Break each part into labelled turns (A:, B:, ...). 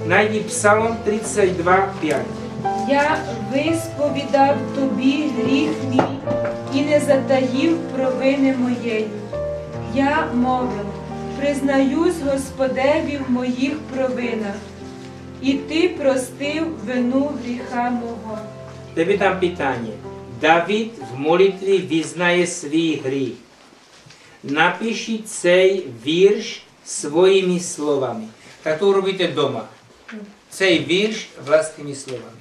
A: Найди Псалом 32:5.
B: Я висповідав тобі гріх мій і не затаїв провини моєї. Я мовив, признаюсь Господеві в моїх провинах, і ти простив вину гріха мого.
A: Тебе там питання. Давид в молитві визнає свій гріх. Напишіть цей вірш своїми словами. Так то робите вдома. Цей вірш власними словами.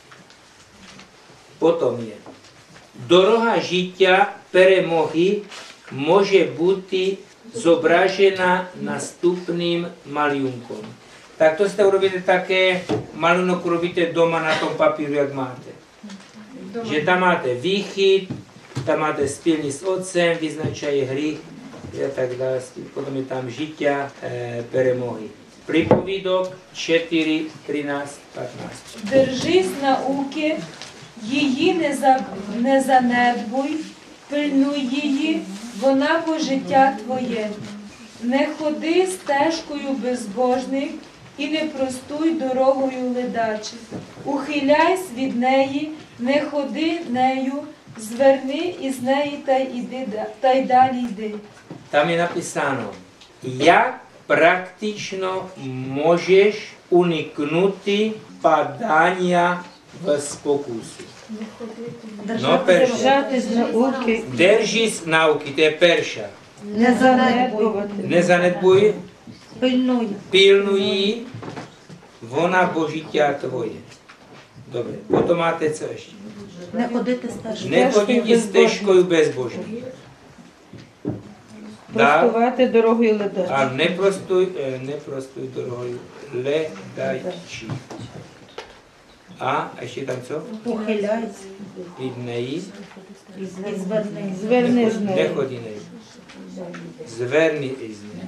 A: Потім є. Дорога життя перемоги може бути зображена наступним малюнком. Так то сте робите таке, малюнок робите вдома на тому папіру, як маєте. Že tam máte výchyt, tam máte spilní s otcem, vyznačají hřích a tak dále. Potom je tam žitia, перемоги. Приповідок 4, 13, 15.
B: Держись науки, її не занедбуй, пильнуй її, вона бо життя твоє. Не ходи стежкою безбожних і не простуй дорогою ледачих. Ухиляйся від неї, не ходи нею, зверни із неї та й далі йди.
A: Там je napísáno, jak praktično můžeš uniknuti padania v spokusu.
C: Держатись науки,
A: Держись nauky, to je perša.
C: не занедбувати,
A: Не занедбуй,
C: пильнуй.
A: пильнуй її, вона бо життя твоє. Добре, потім máte co ještě?
C: Не ходити стежкою.
A: Не ходіть стежкою безбожною.
C: Простувати дорогою ледачі.
A: А не простою дорогою ледачі. А ще там що?
C: Ухиляйся
A: Від неї.
C: і зверни. Зверни з
A: Не
C: нею.
A: ході нею. Зверни із нею.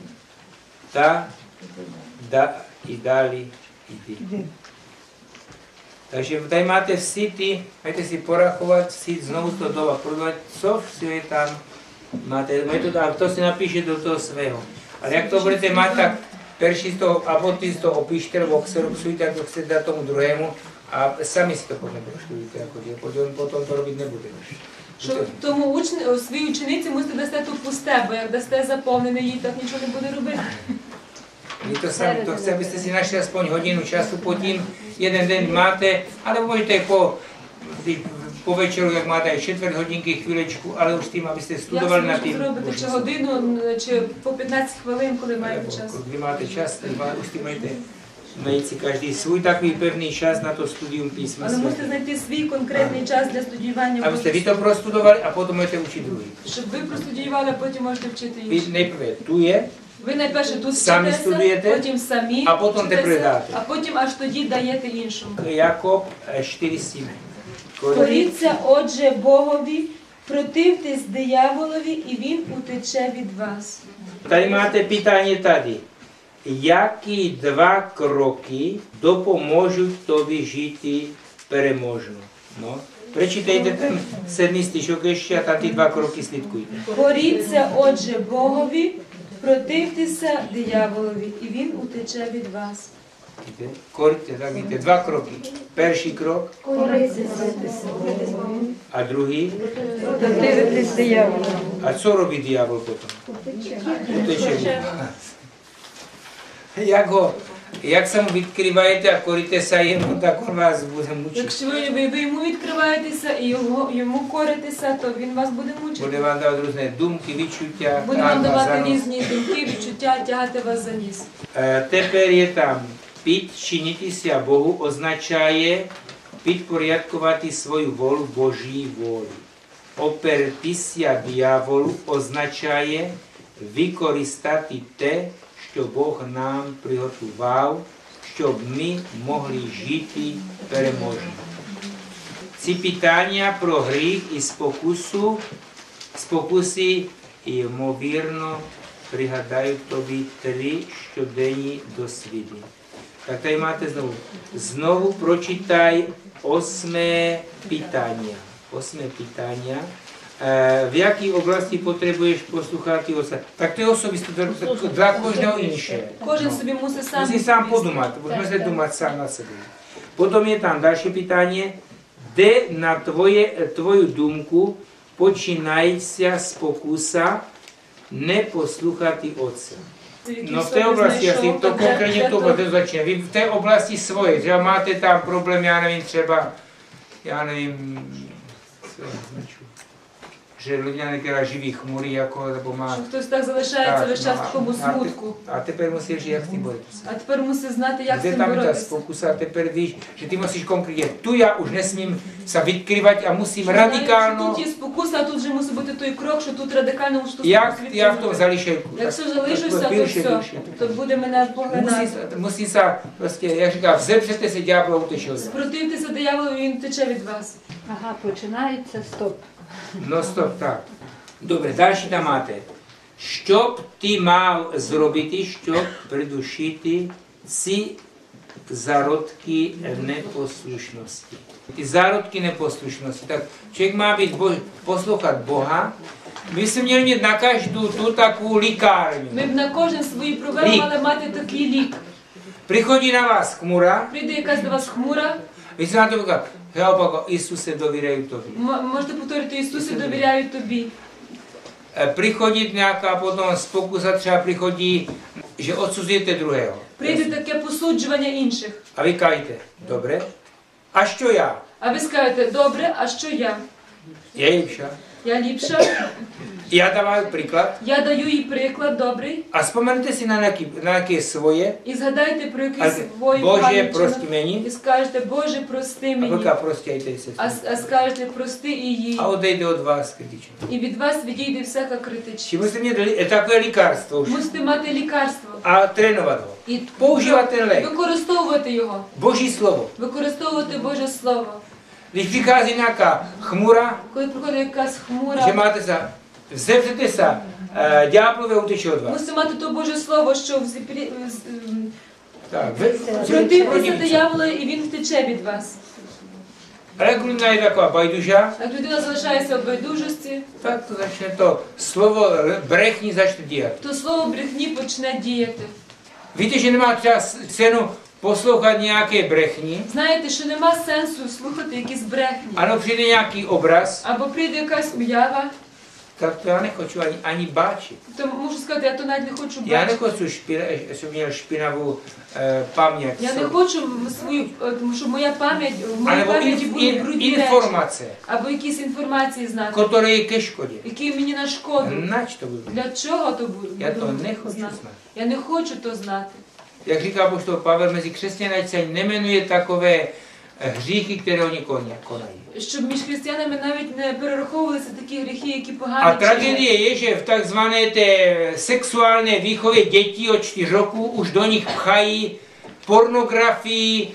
A: І далі йди. Takže tady máte всі ті, маєте си порахувати, всі знову то дома продавати, co все je tam máte metodu, a to si napíše do toho svého. Ale jak to budete mať, tak perší z toho, a potom z toho opíšte, nebo xeroxujte, jak to chcete dát tomu druhému, a sami si to potom proštudujte, potom to робити не будете.
B: Що тому своїй учениці мусите дасте тут пусте, бо як дасте заповнене, їй так нічого не буде робити.
A: Vy to sami, to chce, abyste si našli aspoň hodinu času pod tím, jeden den máte, ale můžete po večeru, jak máte čtvrt hodinky, chvílečku, ale už tím, abyste studovali na tím.
B: Як зробити, чи годину, чи по 15 хвилин, коли маєте час?
A: Kdy máte čas, už tím máte najít si každý svůj takový pevný čas na to studium písma
B: Але мусите
A: svatého.
B: знайти свій конкретний час для студіювання.
A: Abyste vy to prostudovali a potom můžete učit druhý.
B: Щоб ви простудіювали, а потім можете вчити
A: Vy
B: інших.
A: nejprve tu je,
B: Ви найперше тут
A: Самі
B: вчитеся,
A: студуєте,
B: потім самі
A: а потім те
B: вчитеся,
A: передати.
B: а потім аж тоді даєте іншому.
A: Jakob 4:7.
B: Коріться, отже, Богові, противтесь дияволові, і він утече від вас.
A: Tady máte pytanie tady. Які два кроки допоможуть тобі жити переможно? No. Прочитайте ten 7. стишок ще, а там ті два кроки слідкуйте.
B: Коріться, отже, Богові, противтеся дияволові, і він утече від вас.
A: Коріться, так видите, два кроки. Перший крок, а другий.
C: Противитись дияволу.
A: А що робить диявол потім? Утече від вас. Як сам відкриваєте, а коритеся йому, так він вас буде мучити.
B: Якщо ви йому відкриваєтеся і йому коритеся, то він вас буде мучити.
A: Буде вам давати різні думки, відчуття.
B: Буде вам давати різні думки, відчуття, тягати вас за ніс.
A: Тепер є там підчинитися Богу означає підпорядкувати свою волю Божій волі. Опертися дияволу означає використати те, що Бог нам приготував, щоб ми могли жити переможно. Ці питання про гріх і спокуси, ймовірно, пригадають тобі 3 щоденні досвіди. Так tady máte znovu. Znovu pročítaj 8. питання. 8. питання. v jakій oblasti potřebuješ poslouchat ty ostatní. Tak to je osobiste, dla každého inše.
B: Кожен собі мусить сам.
A: Musí sám
B: відповісти.
A: podumat, musíme
B: Так,
A: se
B: так.
A: dumat sám na sebe. Potom je tam další pytanie, kde na tvoju dumku počínající z pokusa neposlouchat ty otce. No v té oblasti, asi to konkrétně to bude začíná. Vy v té oblasti svoje, že máte tam problém, já nevím, třeba, já nevím, co je značku, že lidé některá živí chmury, jako, nebo má...
B: Що хтось так залишається
A: Так,
B: весь час в такому смутку.
A: a тепер мусиш, як з тим боротися.
B: А тепер мусить знати, як з
A: Kde
B: цим
A: tam je ta
B: боротися.
A: pokusa, a teper víš, že ty musíš konkrétně, tu já už nesmím se vykrývat a musím
B: Знаєш, що
A: radikálno,
B: Тут є спокуса, а тут вже мусить бути той крок, що тут радикально мушу
A: jak já v tom zališejku.
B: Якщо залишуся, то все, то буде мене поглинати.
A: Musí se, prostě, jak říká, vzepřete se ďábla uteče od vás.
B: Спротивтеся дияволу, він тече від вас.
C: Ага, починається, стоп.
A: No stop, tak. Добре, далі там máte. Що б ти мав зробити, щоб придушити ці зародки непослушності? Ty zárodky neposlušnosti. Tak člověk má být poslouchat Boha. My jsme měli mít na každou tu takovou likárňu.
B: Ми б на кожен свої проблеми
A: Лік.
B: мали мати такий лік.
A: Přichodí na vás chmura,
B: Прийде якась до вас хмура,
A: vy se na to říkáte, já opakuju, Isuse, dovírají tobě.
B: можете повторити Ісусе, довіряю тобі.
A: Přichodí nějaká potom pokusa, třeba přichodí, že odsuzujete druhého.
B: Прийде таке посуджування інших.
A: A vy kajte, dobré? A що я?
B: А ви скажете, добре, а що я?
A: Je lepša.
B: Я ліпша,
A: Já dávám příklad.
B: я даю їй приклад добрий.
A: A vzpomeňte si na nějaké svoje.
B: І згадайте про
A: A
B: якийсь свої
A: Bože,
B: поганий
A: прости
B: вчинок.
A: mені.
B: І скажете, Боже, прости
A: A
B: мені.
A: vlka prostějte se.
B: А скажете, прости і їй.
A: A odejde od vás kritičně.
B: І від вас відійде всяка критичність.
A: Či musíte mít takové lékařstvo už.
B: Мусите мати лікарство.
A: A trénovat ho.
B: І
A: Používat ten lék.
B: використовувати його.
A: Boží slovo.
B: Використовувати Боже Слово.
A: Když přichází nějaká chmura,
B: Коли приходить якась
A: že
B: хмура,
A: máte se, vzepřete se, ďáblové uteče od vás.
B: мусите мати то Боже Слово, що
A: Tak,
B: противтеся дияволу, і він втече від вас.
A: Ale jak lidina je taková bajduža,
B: Як людина залишається в байдужості,
A: tak to začne to slovo brechní začne dělat.
B: то слово брехні почне діяти.
A: Víte, že nemá třeba cenu poslouchat nějaké brechní,
B: Знаєте, що нема сенсу слухати якісь брехні.
A: ano, přijde nějaký obraz,
B: Або прийде якась уява,
A: tak to já nechoču ani báčit.
B: то можу сказати, я то навіть не хочу
A: Já
B: бачити.
A: nechoču, jsem měl špinavou paměť.
B: Я не хочу свою, тому що моя пам'ять, в моїй
A: Alebo
B: пам'яті будуть брудні речі.
A: informace,
B: Або якісь інформації знати,
A: které je ke škodě.
B: які мені на шкоду.
A: Nač to budu?
B: Для чого то буду?
A: Já to
B: буду
A: nechoču
B: знати?
A: znát.
B: Я не хочу то знати.
A: Jak říká apoštol Pavel, mezi křesťany se nemenuje takové hříchy, které oni konají.
B: Щоб між християнами навіть не перераховувалися такі гріхи, які
A: A
B: погані чинять.
A: tragédie je, že v takzvané té sexuální výchově dětí od 4 roku už do nich pchají pornografii,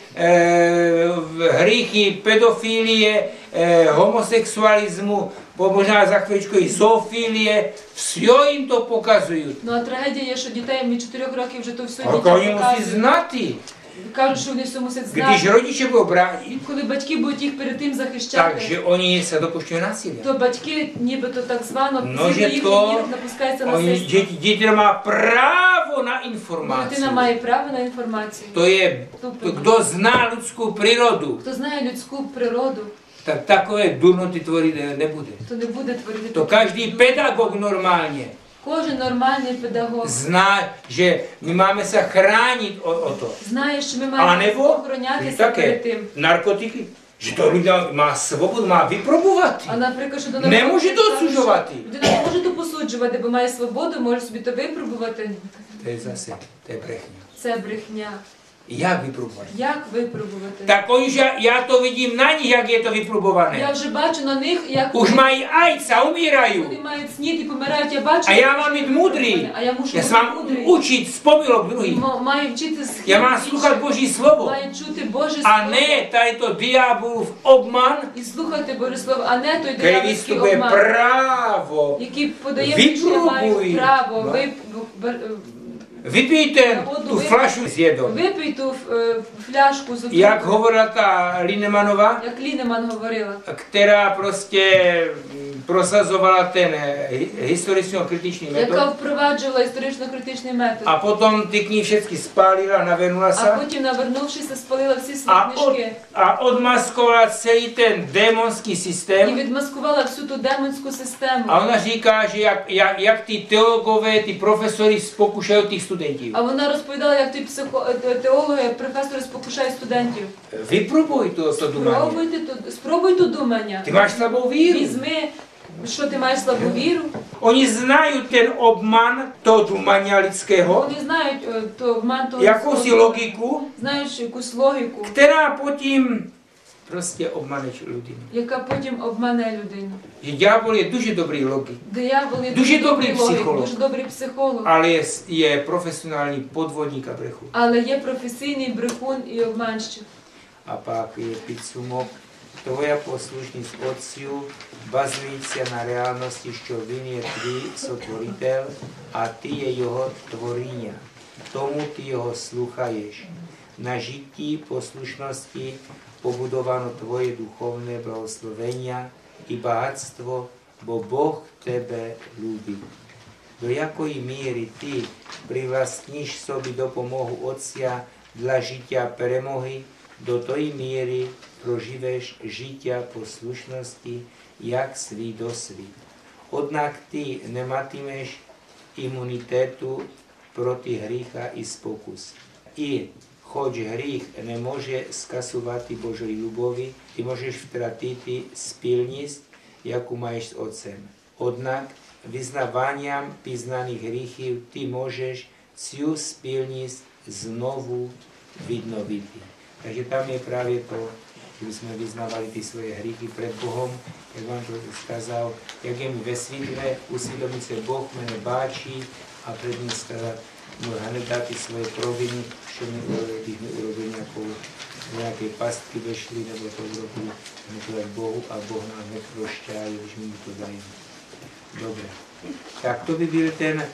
A: hříchy, pedofilie, homosexualismu, možná za chvíličku i zoofilie, все jim to pokazují.
B: Ну а трагедія є, що дітей від 4 років вже то все
A: A
B: дітям
A: oni musí
B: показують.
A: znát.
B: Кажуть, що вони все мусять
A: Když
B: знати.
A: rodiče budou bránit,
B: Коли батьки будуть їх перед тим захищати,
A: takže oni se dopušťují násilí.
B: то батьки нібито так звано
A: No,
B: згідно
A: že
B: їх
A: to,
B: напускається
A: oni,
B: насильство.
A: děti má právo na informaci.
B: Дитина має право на інформацію.
A: To je, kdo zná lidskou přírodu,
B: Хто знає людську природу,
A: tak takové durnoty tvořit nebude.
B: то не буде творити.
A: To každý pedagog normálně
B: Кожен нормальний педагог
A: zná, že my máme se chránit o to.
B: знає, що ми
A: A
B: маємо
A: nebo
B: охоронятися перед
A: také
B: тим.
A: narkotiky, že to lidé má svobodu, má vyprobovat.
B: А наприклад, що до
A: Не може
B: наркотиків,
A: досуджувати.
B: що людина не може то посуджувати, бо має свободу, може собі то випробувати.
A: To je zase, to je brechně.
B: Це брехня.
A: Jak vyprobovat?
B: Як випробувати?
A: Tak oni, že já to vidím na nich, jak je to
B: Я
A: vyprobované.
B: вже бачу на них, як
A: Už mají AIDS a umírají.
B: вони мають снід і помирають. Я бачу.
A: A já mám být mudrý.
B: А я мушу
A: Já se
B: бути
A: mám
B: мудрий.
A: učit z pomylok druhých.
B: Маю вчити з
A: Já mám sluchat Boží slovo.
B: Маю чути Боже
A: A
B: Слово.
A: ne tady to diabolův obman,
B: І слухати Боже Слово, а не той
A: který
B: диявольський
A: vystupuje
B: обман,
A: právo.
B: який подає мені, що я маю
A: Випробуй.
B: право.
A: No. Vypij tu flašu s jedou.
B: Випий ту фляжку з
A: Jak hovorila ta Linemanova,
B: як Лінеман говорила.
A: která prostě prosazovala ten historicko-kritičný
B: яка
A: metod
B: впроваджувала історично-критичний метод.
A: a potom ty knihy všechny spálila, navenula
B: А
A: sa
B: потім, навернувшися, спалила всі свої книжки
A: a odmaskovala celý ten démonský
B: і
A: systém.
B: відмаскувала всю ту демонську систему.
A: A ona říká, že jak ty teologové, ty profesory spokúšajú tých studentів.
B: А вона розповідала, як ті теологи, професори спокушають студентів.
A: Vypróbuj to думання.
B: Спробуй то думання.
A: Ty máš slabou víru.
B: Візьми, що ти маєш слабу віру.
A: Oni znajú ten obman toho думання людського,
B: Вони знають то обман того
A: jakousi
B: людського,
A: logiku,
B: знають якусь логіку,
A: která потім prostě obmane людину.
B: яка потім обмане людину.
A: Že ďábel je дуже dobrý logik,
B: Диявол є
A: Дуже добрий
B: логік,
A: психолог.
B: дуже добрий психолог,
A: ale je profesionální podvodník a brechu.
B: але є професійний брехун і обманщик.
A: A pak je підсумок. Tvoja poslušність Otцю базується на реальності, що Він є твій сотворитель, а ти є Його творіння. Тому ти Його слухаєш. На житті послушності побудовано твоє духовне благословення і багатство, бо Бог тебе любить. До якої міри ти привластніш собі допомогу Отця для життя перемоги, до тої міри проживеш життя послушності, як свій досвід. Однак ти не матимеш імунітету проти гріха і спокус. І хоч гріх не може скасувати Божої любові, ти можеш втратити спільність, яку маєш з Отцем. Однак vyznávaniam píznaných hriechov ty môžeš цю спільність znovu відновити. Takže tam je právě to, že by sme vyznávali ty svoje hriechy pred Bohom, jak vám to skázal, jak je mi ve světle, usvědomit se Boh mene báčí a před ním skázat, mu hned dát ty svoje proviny, čo mi urobil, když mi urobil nějaké pastky vešly nebo to urobil, hned Bohu a Boh nám neprošťá, když mi to dají. Dobre. Tak to by byl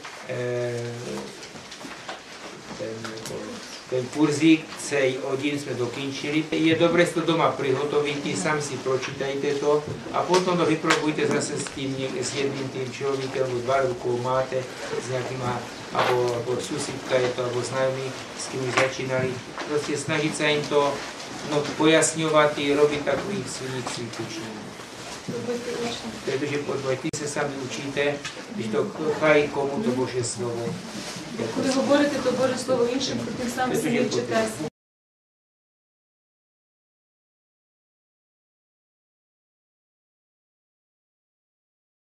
A: ten kurzík, celý hodin jsme dokončili. Je dobré si to doma přihotovit, sami si pročítajte to a potom to vyprobujte zase s jedným tým člověkem, nebo dva rukou máte, s nějakýma, abo susídka je to, abo znajomí, s kým už začínali. Prostě snažit se jim to pojasňovat i robit takových svých cvičení. Protože ty se sami učíte, když to chvají komu to Boží slovo.
B: Коли говорите, то Боже Слово іншим, про тим самим собі вчитеся.